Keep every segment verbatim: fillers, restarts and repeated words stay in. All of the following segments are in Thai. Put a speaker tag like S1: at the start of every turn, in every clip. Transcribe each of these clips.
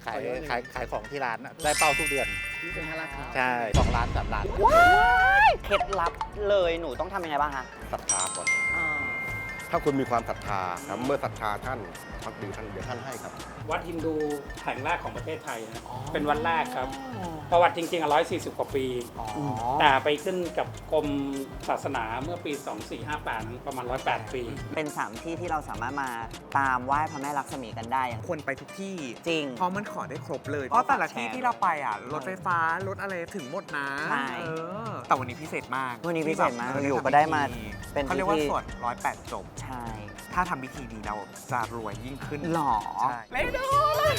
S1: ขายขายขายของที่ร้านได้เป้าทุกเดือน
S2: ที่เป็นห้าราคา
S1: ใช่สองล้านสามล้าน
S3: ว้ายเคล็ดลับเลยหนูต้องทำยังไงบ้างคะ
S4: ศรัทธาก่อนถ้าคุณมีความศรัทธาครับเมื่อศรัทธาท่านพักดีท่านเดี๋ยวท่านให้ครับ
S5: วัดฮินดูแห่งแรกของประเทศไทยนะเป็นวัดแรกครับประวัติจริงๆอ่ะร้อยสี่สิบกว่าปีแต่ไปขึ้นกับกรมศาสนาเมื่อปีสองสี่ห้าแปดประมาณหนึ่งร้อยแปดปี
S3: เป็นสามที่ที่เราสามารถมาตามไหว้พระแม่ลักษมีกันได้อย่าง
S2: ควรไปทุกที่
S3: จริง
S2: เพราะมันขอได้ครบเลยเพราะแต่ละที่ที่เราไปอ่ะรถไฟฟ้ารถอะไรถึงหมดนะ
S3: ใช่
S2: แต่วันนี้พิเศษมาก
S3: วันนี้พิเศษมากอยู่ก็ได้มา
S2: เป็นเขาเรียกว่าสวดร้อยแปดจบ
S3: ใช่
S2: ถ้าทำพิธีนี้เราจะรวยยิ่งขึ้น
S3: หรอ
S2: เล่นดู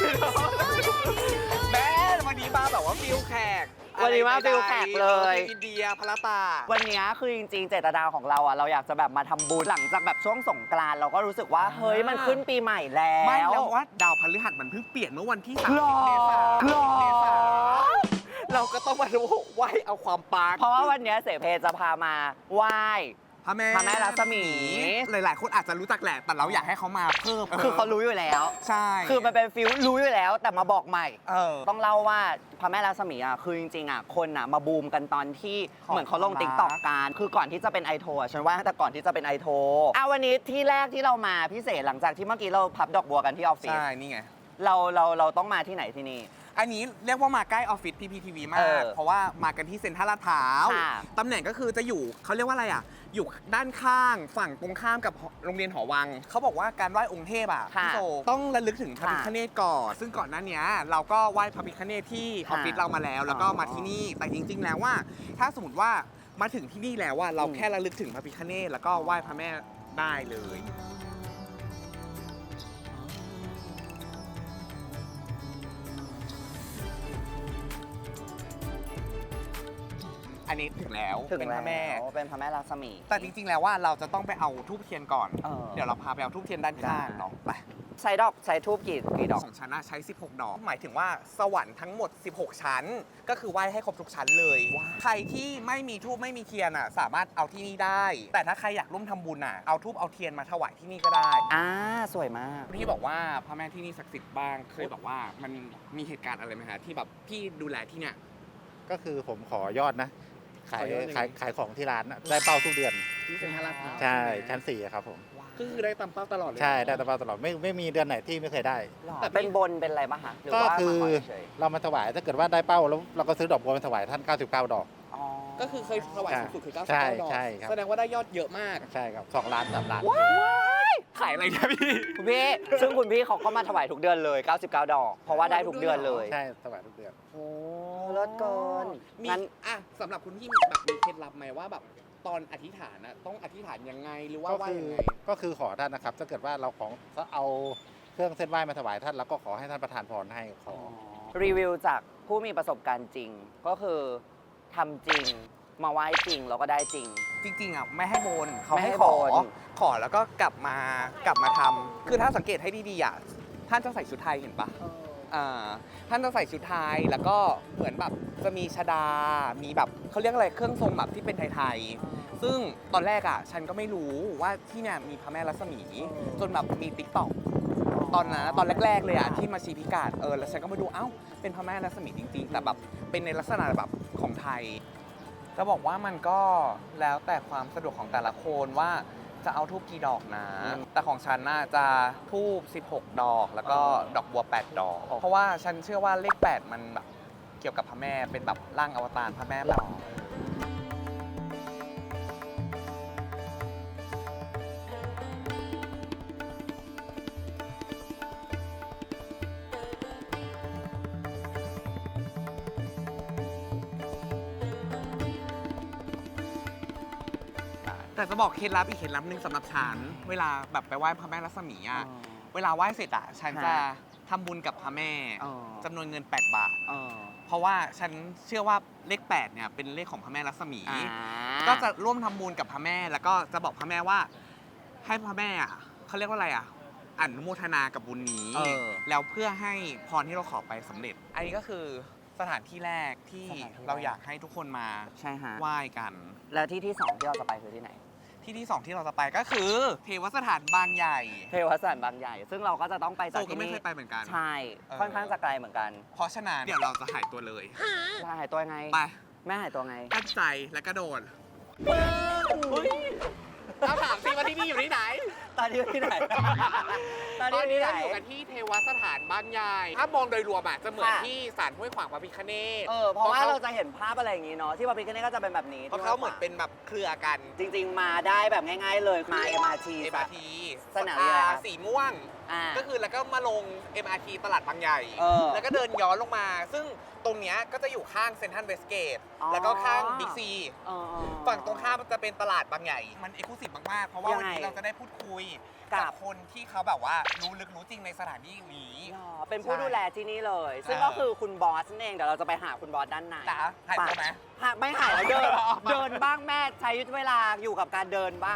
S2: แม่วันนี้มาแบบว่าฟิลแขก
S3: วันนี้มาฟิลแขกเลย
S2: อินเดียพระตา
S3: วันนี้คือจริงๆเจตนาของเราอ่ะเราอยากจะแบบมาทำบุญหลังจากแบบช่วงสงกรานต์เราก็รู้สึกว่าเฮ้ยมันขึ้นปีใหม่แล้ว
S2: ไม่แล้วว่าดาวพฤหัสมันเพิ่งเปลี่ยนเมื่อวันที่สามเมษายนเราก็ต้องมาดูไหว้เอาความปัง
S3: เพราะว่าวันนี้เสเพจะพามาไหว้
S2: พระแม่
S3: พระแม่ลักษมี
S2: หลายๆคนอาจจะรู้จักแหละแต่เราอยากให้เขามาเพิ่ม
S3: คือเขารู้อยู่แล้ว
S2: ใช่
S3: คือมันเป็นฟิลรู้อยู่แล้วแต่มาบอกใหม่
S2: เออ
S3: ต้องเล่าว่าพระแม่ลักษมีอ่ะคือจริงๆอ่ะคนอ่ะมาบูมกันตอนที่เหมือนเขาลงติ๊กต็อกกันคือก่อนที่จะเป็นไอโทอ่ะฉันว่าแต่ก่อนที่จะเป็นไอโทอ่ะวันนี้ที่แรกที่เรามาพิเศษหลังจากที่เมื่อกี้เราพับดอกบัวกันที่ออฟฟิศ
S2: ใช่นี่ไง
S3: เราเราเราต้องมาที่ไหนที่นี่
S2: อันนี้เรียกว่ามาใกล้ออฟฟิศพีพีทีวีมากเพราะว่ามากันที่เซ็นทรัลลาดพร้าวตำแหน่งก็คือจะอยู่เขาเรียกว่าอะไรอ่ะอยู่ด้านข้างฝั่งตรงข้ามกับโรงเรียนหอวังเขาบอกว่าการไหว้องค์เทพอ่ะพี่โซต้องระลึกถึงพระพิฆเนศก่อนซึ่งก่อนหน้านี้เราก็ไหว้พระพิฆเนศที่ออฟฟิศเรามาแล้วแล้วก็มาที่นี่แต่จริงๆแล้วว่าถ้าสมมติว่ามาถึงที่นี่แล้วว่าเราแค่ระลึกถึงพระพิฆเนศแล้วก็ไหว้พระแม่ได้เลยอันนี้ถึงแล้ว
S3: เป็นพระแม่เป็นพระแม่ลักษมี
S2: แต่จริงๆแล้วว่าเราจะต้องไปเอาทูบเทียนก่อนเดี๋ยวเราพาไปเอาทูบเทียนด้านข้างเนาะไป
S3: ใช้ดอกใช้ทูบกี่กี่ดอก
S2: ของชั้นใช้สิบหกดอกหมายถึงว่าสวรรค์ทั้งหมดสิบหกชั้นก็คือไหว้ให้ครบทุกชั้นเลยใครที่ไม่มีทูบไม่มีเทียนอ่ะสามารถเอาที่นี่ได้แต่ถ้าใครอยากร่วมทำบุญอ่ะเอาทูบเอาเทียนมาถวายที่นี่ก็ได้
S3: อ่าสวยมาก
S2: พี่บอกว่าพระแม่ที่นี่ศักดิ์สิทธิ์บ้างเคยบอกว่ามันมีเหตุการณ์อะไรไหมฮะที่แบบพี่ดูแลที่เนี่ย
S1: ก็คือผมขอยอดนะขายขายขายของที่ร้านได้เป้าทุกเดือน
S2: ที่เป็นห้าราคา
S1: ใช่ชั้นสี่ครับผม
S2: ก็คือได้ตามเป้าตลอดเลย
S1: ใช่ได้ตามเป้าตลอดไม่ไม่มีเดือนไหนที่ไม่เคยได้
S3: แต่เป็นบนเป็นอะไรบ้างคะ
S1: ก็คือเรามาถวายถ้าเกิดว่าได้เป้าแล้วเราก็ซื้อดอกบัวมาถวายท่านเก้าสิบเก้าดอก
S2: ก็คือเคยถวายสูงสุดคือเก้าสิบเก้าดอกแสดงว่าได้ยอดเยอะมาก
S1: ใช่ครับสองล้านสามล้าน
S2: ขายอะไรนะพี่
S3: คุณพี่ซึ่งคุณพี่เขาก็มาถวายทุกเดือนเลยเก้าสิบเก้าดอกเพราะว่าได้ทุกเดือนเลย
S1: ใช่ถวายทุกเดือน
S3: โอ้เลิศเกิน
S2: งั้นอ่ะสำหรับคุณพี่แบบมีเคล็ดลับไหมว่าแบบตอนอธิษฐานนะต้องอธิษฐานยังไงหรือว่าว่ายังไง
S1: ก็คือขอท่านนะครับถ้าเกิดว่าเราของเอาเครื่องเส้นไหว้มาถวายท่านแล้วก็ขอให้ท่านประทานพรให้ขอ
S3: รีวิวจากผู้มีประสบการณ์จริงก็คือทำจริงมาไหว้จริงแล้วก็ได้จริง
S2: จริงๆอ่ะไม่ให้บนเขาให้ขอขอแล้วก็กลับมากลับมาทำคือถ้าสังเกตให้ดีๆอ่ะท่านจะใส่ชุดไทยเห็นปะท่านจะใส่ชุดไทยแล้วก็เหมือนแบบจะมีชดามีแบบเขาเรียกอะไรเครื่องทรงแบบที่เป็นไทยๆซึ่งตอนแรกอ่ะฉันก็ไม่รู้ว่าที่เนี่ยมีพระแม่ลักษมีจนแบบมีติ๊กต็อกตอนนั้นตอนแรกๆเลยอ่ะที่มาชี้พิกัดเออแล้วฉันก็มาดูเอ้าเป็นพระแม่ลักษมีจริงๆแต่แบบเป็นในลักษณะแบบของไทยจะบอกว่ามันก็แล้วแต่ความสะดวกของแต่ละคนว่าจะเอาทูบกี่ดอกนะแต่ของฉันน่าจะทูบสิบหกดอกแล้วก็ดอกบัวแปดดอกเพราะว่าฉันเชื่อว่าเลขแปดมันแบบเกี่ยวกับพระแม่เป็นแบบร่างอวตารพระแม่แบบแต่จะบอกเคล็ดลับอีกเคล็ดลับหนึ่งสำหรับฉันเวลาแบบไปไหว้พระแม่ลักษมีอ่ะเวลาไหว้เสร็จอ่ะฉันจะทำบุญกับพระแม่จำนวนเงินแปดบาทเพราะว่าฉันเชื่อว่าเลขแปดเนี่ยเป็นเลขของพระแม่ลักษมีก็จะร่วมทำบุญกับพระแม่แล้วก็จะบอกพระแม่ว่าให้พระแม่อ่ะเขาเรียกว่าอะไรอ่ะอนุโมทนากับบุญนี้แล้วเพื่อให้พรที่เราขอไปสำเร็จอันนี้ก็คือสถานที่แรกที่เราอยากให้ทุกคนมาไหว้กัน
S3: แล้วที่ที่สองที่เราจะไปคือที่ไหน
S2: ทที่ที่สองที่เราจะไปก็คือ เทวสถานบางใหญ่
S3: เทวสถานบางใหญ่ ซึ่งเราก็จะต้องไป
S2: โซ
S3: จาก
S2: ก็
S3: ที่
S2: ไม่
S3: นี่
S2: เคยไปเหมือนกัน
S3: ใช่
S2: เออ
S3: ค่อนข้างจะไกลเหมือนกัน
S2: เพราะฉะนั้นเดี๋ยวเราจะหายตัวเลย
S3: แล้วหายตัวไง
S2: ไป
S3: แม่หายตัวไง
S2: ตั้งใจและกระโดดเราถามสิว่าที่นี่อยู่ที่ไหน
S3: ตอนนี้อยู่ที่ไหน ตอน
S2: ต
S3: นี้
S2: อน
S3: อยู่ที่ไหน
S2: นี้เราอยู่กันที่เทวสถานบางใหญ่ ถ้ามองโดยรวมอะจะเหมือน
S3: ค่ะ
S2: ที่ศาลห้วยขวางพระพิฆเนศ
S3: เออ เพราะว่าเราจะเห็นภาพอะไรอย่างงี้เนาะ ที่พระพิฆเนศก็จะเป็นแบบนี้
S2: เพราะเขาเหมือนเป็นแบบเครือกัน
S3: จริง ๆ มาได้แบบง่าย ๆ เลย มา เอ็ม อาร์ ที
S2: เอ็ม อาร์ ที
S3: สนามบินอะไรคะ
S2: สีม่วง
S3: อ่า
S2: ก็คือแล้วก็มาลง เอ็ม อาร์ ที ตลาดบางใหญ่
S3: เออ
S2: แล้วก็เดินย้อนลงมา ซึ่งตรงเนี้ยก็จะอยู่ข้างเซ็นทรัลเวสเกต
S3: อ๋อ
S2: แล้วก็ข้างบิ๊กซี
S3: เออ
S2: ฝั่งตรงข้ามจะเป็นตลาดบางใหญ่ มันเอกลุศิมากๆ เพราะว่า
S3: ยัง
S2: วัน
S3: ไง
S2: นี้เราจะได้พูดคุย
S3: กับ
S2: กับคนที่เขาแบบว่ารู้ลึกรู้จริงในสถานที่นี้
S3: อ๋อเป็นผู้
S2: ใช่
S3: ดูแลที่นี่เลย ซึ่ง
S2: เออ
S3: ก็คือคุณบอสนั่นเอง เดี๋ยวเราจะไปหาคุณบอสด้านใน
S2: จ๋าหายตัวไหม
S3: หาไม่หายแล้วเดิน
S2: อ๋อ
S3: เดินบ้างแม่ใช้เวลาอยู่กับการเดินบ้าง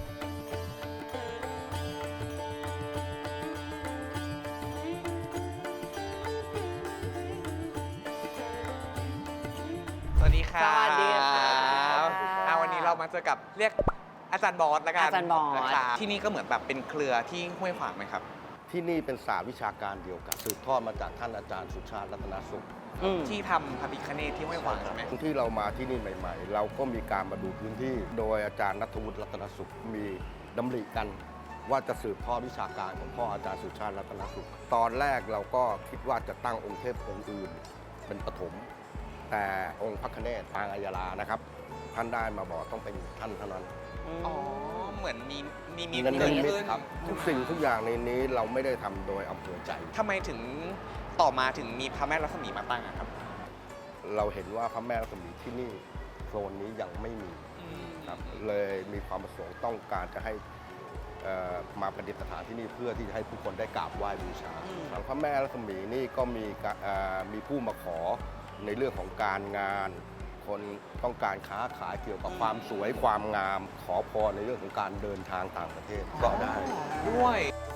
S2: สวัสดีครับ
S3: สวัสดีครับ
S2: อ่าวันนี้เรามาเจอกับเรียกอาจารย์บอสแล้วกัน
S3: อาจารย์บอส
S2: นะครับที่นี่ก็เหมือนแบบเป็นเครือที่ห้วยขวางไหมครับ
S4: ที่นี่เป็นศาสตร์วิชาการเดียวกันสืบทอดมาจากท่านอาจารย์สุชาติรัตนสุข
S3: อืม
S2: ที่ทำพระพิฆเนศที่ห้วยขวางใช่ไหม
S4: ที่เรามาที่นี่ใหม่ ๆ เราก็มีการมาดูพื้นที่ โดยอาจารย์นัทวุฒิรัตนสุขมีดำริกันว่าจะสืบทอดวิชาการของพ่ออาจารย์สุชาติรัตนสุข ตอนแรกเราก็คิดว่าจะตั้งองค์เทพองค์อื่นเป็นปฐมแต่องค์พระคเนศปางอัยยาลานะครับ ท่านได้มาบอกต้องเป็นท่านเท่านั้น
S2: อ๋อ เหมือนมีมีมี
S4: เงิน
S2: เกิด
S4: นิมิต
S2: ขึ้น
S4: ครับทุกสิ่งทุกอย่างในนี้เราไม่ได้ทำโดยอำเภอใจ
S2: ทำไมถึงต่อมาถึงมีพระแม่ลักษมีมาตั้งอะครับ
S4: เราเห็นว่าพระแม่รัศมีที่นี่โซนนี้ยังไม่มีครับเลยมีความประสงค์ต้องการจะให้เอ่อมาประดิษฐานที่นี่เพื่อที่จะให้ผู้คนได้กราบไหว้บูชาทางพระแม่รัศมีนี่ก็มีกะเอ่อมีผู้มาขอในเรื่องของการงาน คนต้องการค้าขายเกี่ยวกับความสวยความงาม ขอพรในเรื่องของการเดินทางต่างประเทศก็ได้
S2: ด้วย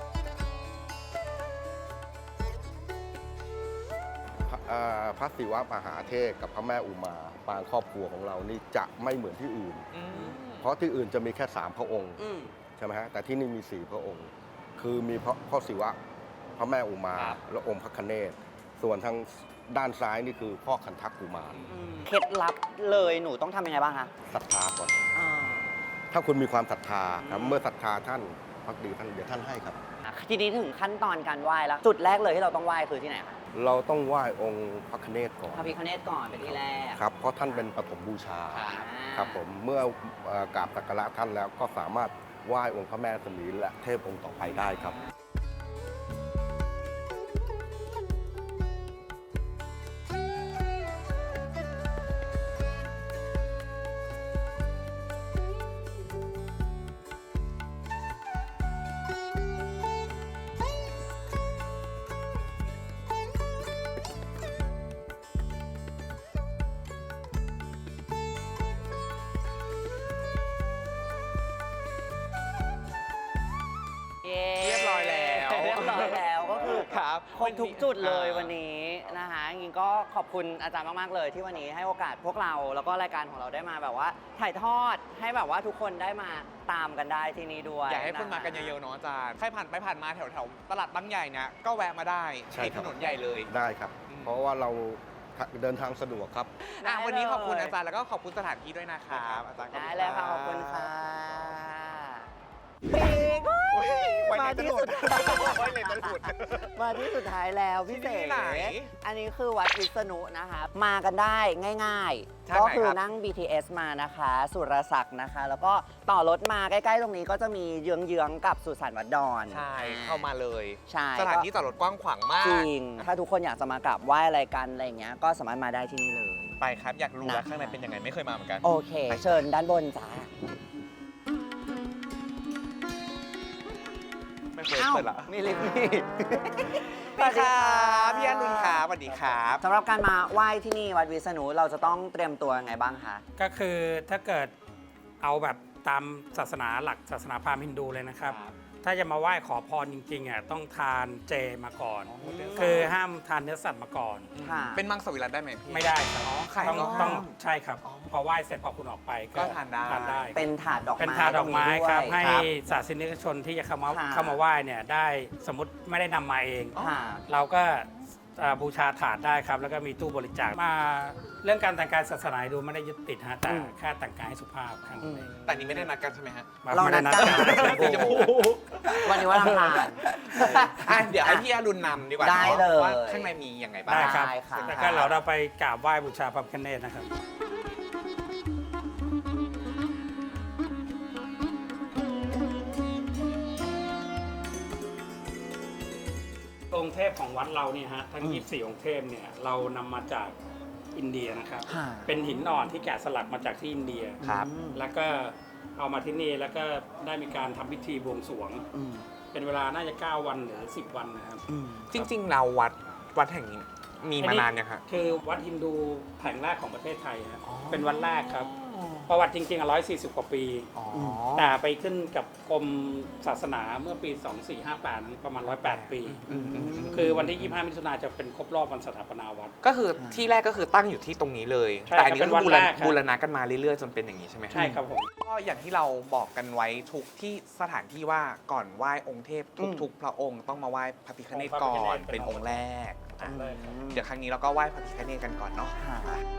S4: พระเอ่อพระศิวะมหาเทพกับพระแม่อุมาปางครอบครัวของเรานี่จะไม่เหมือนที่อื่น เพราะที่อื่นจะมีแค่สามพระองค์
S3: อืม
S4: ใช่ไหมฮะแต่ที่นี่มีสี่พระองค์ คือมีพระพ่อศิวะพระแม่อุมา
S2: ครับ
S4: และองค์พระคเนศส่วนทางด้านซ้ายนี่คือพ่อคันทักกุมาร
S3: เคล็ดลับเลยหนูต้องทำยังไงบ้างคะ
S4: ศรัทธาก่อน
S3: อ่า
S4: ถ้าคุณมีความศรัทธาครับเมื่อศรัทธาท่านพักดีท่านเดี๋ยวท่านให้ครับ
S3: ทีนี้ถึงขั้นตอนการไหว้แล้ว จุดแรกเลยที่เราต้องไหว้คือที่ไหนคะ
S4: เราต้องไหว้องค์พระคเนศก่อน
S3: พระพิฆเนศก่อนเป็นที่แรก
S4: ครับเพราะท่านเป็นปฐมบูชา
S3: อ่า
S4: ครับผมเมื่อเอ่อกราบสักการะท่านแล้วก็สามารถไหว้องค์พระแม่รัศมีและเทพองค์ต่อไปได้ครับ
S3: เย้
S2: เรียบร้อยแล้ว
S3: เรียบร้อยแล้วก็คือ
S2: ครับ
S3: ครบทุกจุดเลย
S2: อ่า
S3: วันนี้นะคะจริงๆก็ขอบคุณอาจารย์มากๆเลยที่วันนี้ให้โอกาสพวกเราแล้วก็รายการของเราได้มาแบบว่าถ่ายทอดให้แบบว่าทุกคนได้มาตามกันได้ที่นี่ด้วย
S2: อยากให้คนมากันเยอะๆเนาะอาจารย์ ใครผ่านไปผ่านมาแถวๆตลาดบางใหญ่เนี่ยก็แวะมาได้
S4: ใช่
S2: ที่
S4: ครั
S2: ถ
S4: บ
S2: นนใหญ่เลย
S4: ได้ครับ
S2: อืม
S4: เพราะว่าเราเดินทางสะดวกครับ
S2: อ่ะ
S3: ได้
S2: วันนี้ขอบคุณ
S3: เลย
S2: อาจารย์แล้วก็ขอบคุณสถานที่ด้วยนะครับอาจารย์
S3: ได้เลยค่ะขอบคุณค่ะ
S2: โอ้ยไว้ไหน
S3: มา
S2: จะ
S3: ที่
S2: หลุ
S3: สุ
S2: ด
S3: ดท้าย
S2: ไว้ไหนจะหลุด
S3: มาที่สุดท้ายแล้วพี่
S2: ที่
S3: เส
S2: นี่ไหน
S3: อันนี้คือวัดวิษณุนะคะ มากันได้ง่าย
S2: ทา
S3: ๆ
S2: งไหน
S3: ก็คือ
S2: ครับ
S3: นั่ง บี ที เอส มานะคะ สุรศักดิ์นะคะ แล้วก็ต่อรถมาใกล้ๆตรงนี้ก็จะมีเยื้องๆกับสุสานวัดดอน
S2: ใช่เข้ามาเลย
S3: ใช่
S2: สถานที่จอดรถกว้างขวางมาก
S3: จริง ถ้าทุกคนอยากจะมากราบไหว้อะไรกันอะไรอย่างเงี้ยก็สามารถมาได้ที่นี่เลย
S2: ไปครับ อยากรู้แล้ว
S3: นะ
S2: ข้างในเป็นยังไงไม่เคยมาเหมือนกัน
S3: โอเค เชิญด้านบนจ้า
S2: ไม่เคย
S3: อ้าว
S2: เปิดละ
S3: มีลิฟต์นี่
S2: สวัสดีครับพี่อนุนครับสวัสดีครับ
S3: สำหรับการมาไหว้ที่นี่วัดวิษณุเราจะต้องเตรียมตัวยังไงบ้างคะ
S5: ก็คือถ้าเกิดเอาแบบตามศาสนาหลักศาสนาพราหมณ์ฮินดูเลยนะครับ
S2: ครับ
S5: ถ้าจะมาไหว้ขอพรจริงๆอ่ะต้องทานเจมาก่อน คือห้ามทานเนื้อสัตว์มาก่อน
S3: ค่ะ
S2: เป็นมังสวิรัติได้ไหมพี่
S5: ไม่ได้ครับ
S2: ไข่
S5: ต้อง
S2: ก็
S5: ต้อง
S2: ห้าม
S5: ใช่ครับ พอไหว้เสร็จพอคุณออกไป
S2: ก็ทานได้
S5: ทานได้
S3: เป็นถาดดอกไม้
S5: เป็นทานดอกไม้ครับ
S3: ตง
S5: ให้
S3: นี้ด้วย
S5: ศาสนิกชนที่จะเข้ามา
S3: ค่ะ
S5: เข้ามาไหว้เนี่ยได้สมมติไม่ได้นำมาเอง
S3: ค่ะ
S5: เราก็เอ่อบูชาถาดได้ครับ แล้วก็มีตู้บริจาคมาเรื่องการแต่งกายศาสนาดูไม่ได้ยึดติดฮะแต่
S3: อืม
S5: แค่แต่งกายให้สุภาพแค่นั้นเอง
S2: แต่นี้ไม่ได้นัดกันใช่ไหมฮะ
S5: มา
S3: เรา
S5: ไม่ได้
S3: นัดกัน
S5: สีชมพู
S3: วันนี้วันอังคาร
S2: อ่ะเดี๋ยวให้พี่อรุณนำดีกว่า
S3: ได้เลย
S2: ว่าข้างในมียังไงบ้าง
S5: ได้ครับ
S3: ได้ค่ะ
S5: แล้วก็เราเราไปกราบไหว้บูชาพระพิฆเนศนะครับ องค์เทพของวัดเราเนี่ยฮะทั้ง ยี่สิบสี่ องค์เทพเนี่ยเรานำมาจากอินเดียนะครับ
S3: ค่ะ
S5: เป็นหินอ่อนที่แกะสลักมาจากที่อินเดีย
S2: ครับ
S5: แล้วก็เอามาที่นี่แล้วก็ได้มีการทำพิธีบวงสรวง
S3: อืม
S5: เป็นเวลาน่าจะ เก้า วันหรือ สิบ วันนะครับ
S3: อืม
S2: จริงๆเราวัดวัดแห่งนี้มีมานานยังฮะ
S5: คือวัดฮินดูแห่งแรกของประเทศไทยนะ
S2: อ๋อ
S5: เป็นวัดแรกครับ ประวัติจริงๆอ่ะร้อยสี่สิบกว่าปี
S2: อ๋อ
S5: แต่ไปขึ้นกับกรมศาสนาเมื่อปี สองสี่ห้าแปดนั้นประมาณหนึ่งร้อยแปด ปี
S2: อืมอืมอืม
S5: คือวันที่ ยี่สิบห้า มิถุนายนจะเป็นครบรอบวันสถาปนาวัด
S2: ก็คือที่แรกก็คือตั้งอยู่ที่ตรงนี้เลย
S5: ใช่
S2: แต่อันนี้ก็
S5: เป็นวัด
S2: บูร
S5: แร
S2: ณะ
S5: กครับ
S2: บูรณะกันมาเรื่อยๆจนเป็นอย่างนี้ใช่ไหม
S5: ใช่ครับผม
S2: ก็อย่างที่เราบอกกันไว้ทุกที่สถานที่ว่าก่อนไหว้องค์เทพ
S3: อืม
S2: ทุกๆพระองค์ต้องมาไหว้พระพิฆเนศ
S5: องค์พระ
S2: ก่อ
S5: พิฆเน
S2: น
S5: ศเป็
S2: เป็น
S5: น
S2: องค์แรก
S5: องค์แรกครับ
S2: เดี๋ยวครั้งนี้เราก็ไหว้พระพิฆเนศกันก่อนเนาะ
S3: ค่ะ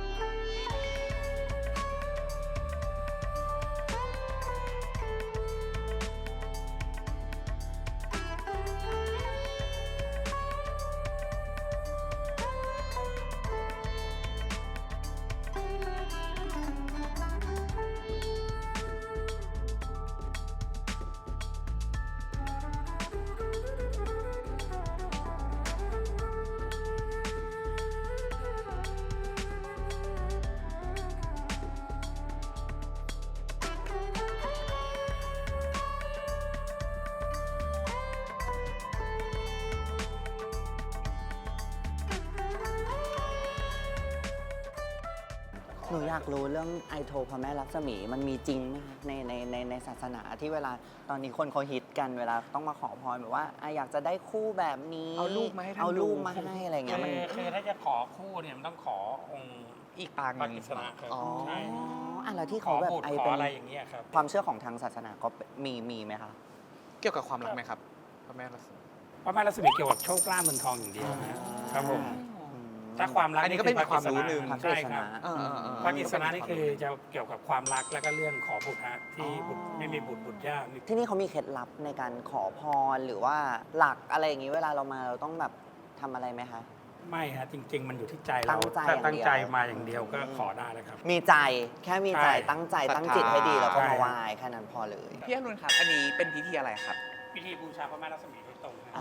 S3: หนูอยากรู้เรื่องไอโทพระแม่ลักษมีมันมีจริงไหมคะในในในในศาสนาที่เวลาตอนนี้คนเขาฮิตกันเวลาต้องมาขอพรแบบว่าอ่ะอยากจะได้คู่แบบนี้
S2: เอารูปมาให้ท่าน
S3: เอารูป
S2: ดู
S3: มาให้อะไรเงี้ยมัน
S5: คือคือถ้าจะขอคู่เนี่ยมันต้องขอองค์
S2: อีกปางห
S5: พระ
S2: นึ่ง
S5: กิษณะครับ
S2: อ๋อ
S5: ใช่
S3: อ๋ออ่ะแล้วที่
S5: ข
S3: เขา
S5: อ
S3: แบบ
S5: บุตร
S3: ไอ
S5: ขอ
S3: เป็น
S5: อะไรอย่างเงี้ยครับ
S3: ความเชื่อของทางศาสนาก็มีมีไหมคะ
S2: เกี่ยวกับความรักไหมครับพระแม่รัศมี
S5: พระแม่รัศมีเกี่ยวกับโชคลาภเงินทองอย่างเดียวนะครับผม
S3: อืม
S5: ถ้าความรัก
S2: อันนี้ก็เป็น
S5: พะ
S2: ความรู้หนึ่ง
S3: พระ
S5: ใช่
S3: กฤษ
S5: ครั
S3: ณะ
S5: บ
S2: เออเออเออ
S5: พระกิษณะนี่คือจะเกี่ยวกับความรักแล้วก็เรื่องขอบุตรฮะที่บุตรไม่มีบุตรบุตรยากนี่
S3: ที่นี่เขามีเคล็ดลับในการขอพรหรือว่าหลักอะไรอย่างนี้เวลาเรามาเราต้องแบบทำอะไรไหมคะ
S5: ไม่ฮะจริง ๆ มันอยู่ที่ใจ
S3: ตั้
S5: เรา
S3: งใจ
S5: ถ้า
S3: อย่างเดียว
S5: ตั้งใจมาอย่างเดียวก็ขอได้แล้วครับ
S3: มีใจแค่มีใจ
S5: ใช่
S3: ตั้งใจ
S2: ศรัทธา
S3: ตั้งจิตให้ดีแล้วก็
S5: ใช่
S3: มาไหว้แค่นั้นพอเลย
S2: พี่อรุณครับ อันนี้เป็นพิธีอะไรครับ
S5: พิธีบูชาพระแม่รัศมีโดยตรงนะ
S3: อ๋อ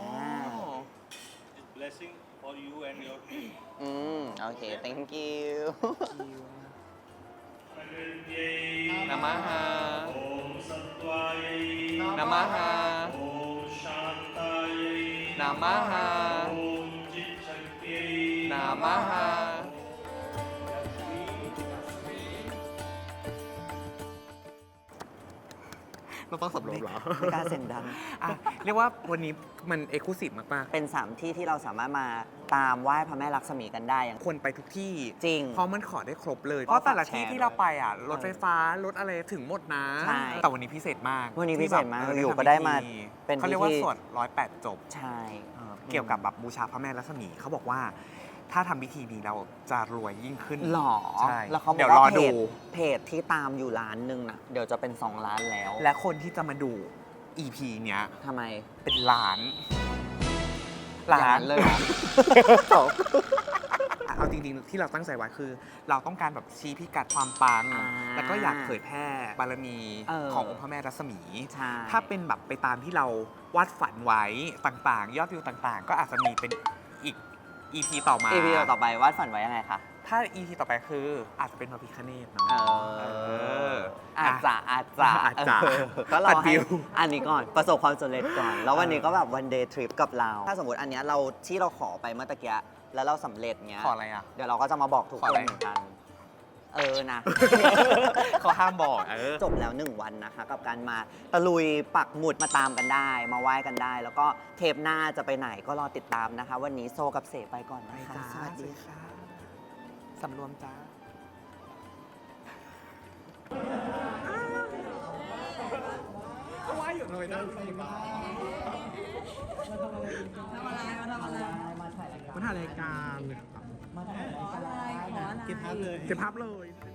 S6: blessing for you and your
S3: อืมโอเค thank you
S2: นามาฮานามาฮานามาฮานามาฮา เราต้องสำรวจเหรอ
S3: ไม่กล้าเสียงดัง
S2: อ่ะเรียกว่าวันนี้มันเอกลุศิมาก
S3: เป็นสามที่ที่เราสามารถมาตามไหว้พระแม่ลักษมีกันได้อย่าง
S2: ๆควรไปทุกที่
S3: จริง
S2: เพราะมันขอได้ครบเลย เพราะแต่ละที่ที่เราไปอ่ะ รถไฟฟ้ารถอะไรถึงหมดนะ
S3: ใช่
S2: แต่วันนี้พิเศษมาก
S3: วันนี้พิเศษมาก
S2: ที่แบบ
S3: อยู่ก็ได้มา
S2: ทำพิธี
S3: เป็น
S2: เขาเรียกว่า
S3: พิธี
S2: สวดร้อยแปดจบ
S3: ใช่
S2: เอ่อเกี่ยวกับแบบบูชาพระแม่รัศมีเขาบอกว่าถ้าทำพิธีนี้เราจะรวยยิ่งขึ้น
S3: หรอ
S2: ใช่
S3: แล้วเขาบ
S2: เดี๋
S3: อย ก
S2: วรอ
S3: ว่าเพ
S2: ดู
S3: จเพจที่ตามอยู่ล้านหนึ่งนะเดี๋ยวจะเป็นสองล้านแล้ว
S2: และคนที่จะมาดู อี พี เนี้ย
S3: ทำไม
S2: เป็นล้าน
S3: อย่าง
S2: ล้าน
S3: นั้นเลยเหรอ
S2: เอาจริงๆที่เราตั้งใจไว้คือ เราต้องการแบบชี้พิกัดความปัง
S3: อ่า
S2: แล้วก็อยากเผยแพร่บารมี
S3: เออ
S2: ขององค์พระแม่รัศมี
S3: ใช่
S2: ถ้าเป็นแบบไปตามที่เราวาดฝันไว้ต่างๆ ยอดวิวต่างๆ ก็อาจจะมีเป็นอีก อี พี ต่อมา
S3: อีพีต่อไปวาดฝันไว้ยังไงคะ
S2: ถ้า อี พี ต่อไปคืออาจจะเป็นพระพิฆเนศเนาะ
S3: เอ
S2: เอ
S3: อ
S2: อ
S3: อาจจะอาจจะ
S2: อาจจะ
S3: เออก็รอ
S2: ตัด
S3: ให้
S2: ดิว
S3: อันนี้ก่อนประสบความสำเร็จก่อน แล้ววันนี้ก็แบบวันเดย์ทริปกับเรา ถ้าสมมติอันเนี้ยเราที่เราขอไปเมื่อตะกี้แล้วเราสำเร็จเงี้ย
S2: ขออะไรอ่ะ
S3: เดี๋ยวเราก็จะมาบอกทุก
S2: ขอ
S3: ค
S2: อะไร
S3: นเหมือนกันเออนะ
S2: เขาห้ามบอกเออ
S3: จบแล้วหนึ่งวันนะคะ กับการมาตะลุยปักหมุดมาตามกันได้ มาไหว้กันได้ แล้วก็เทปหน้าจะไปไหนก็รอติดตามนะคะ วันนี้โซกับเสไปก่อนนะคะ สวัสดีค่ะ
S2: สำรวมจ้า
S7: มาถ่ายรายการเลยครับ
S3: มาถ่ายรายการ
S7: เก็บภาพเลย เก็บภาพเลย